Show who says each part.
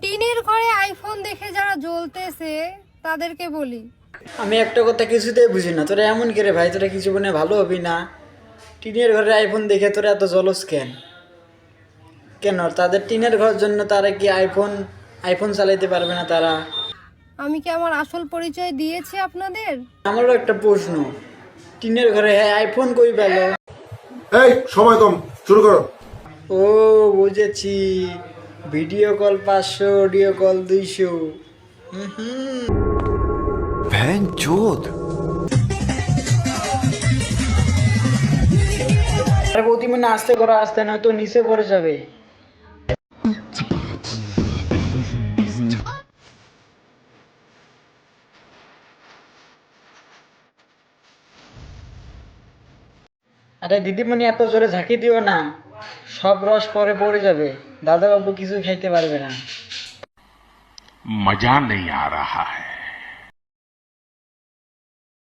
Speaker 1: টিনের ঘরে আইফোন দেখে যারা জ্বলতেছে তাদেরকে বলি,
Speaker 2: আমি একটা কথা কিছুতেই বুঝি না, তোরা এমন করে ভাই, তোরা কিছু মনে ভালো হবি না? টিনের ঘরে আইফোন দেখে তোরা এত জলস কেন? কেন তাদের টিনের ঘরের জন্য তারা কি আইফোন আইফোন চালাইতে পারবে না তারা?
Speaker 1: আমি কি আমার আসল পরিচয় দিয়েছি আপনাদের?
Speaker 2: আমারও একটা প্রশ্ন, টিনের ঘরে হ্যাঁ আইফোন কই পেল?
Speaker 3: এই সময় কম, শুরু করো।
Speaker 2: ও বুঝেছি, ভিডিও কল 500, অডিও কল 200। আরে বৌদি মানে আস্তে করো, আস্তে না তো নিচে পড়ে যাবে। আরে দিদিমণি এত জোরে ঝাঁকি দিও না, সব রস পরে পড়ে যাবে, দাদা বাবু কিছু খাইতে পারবে না।
Speaker 4: मजा नहीं आ रहा है।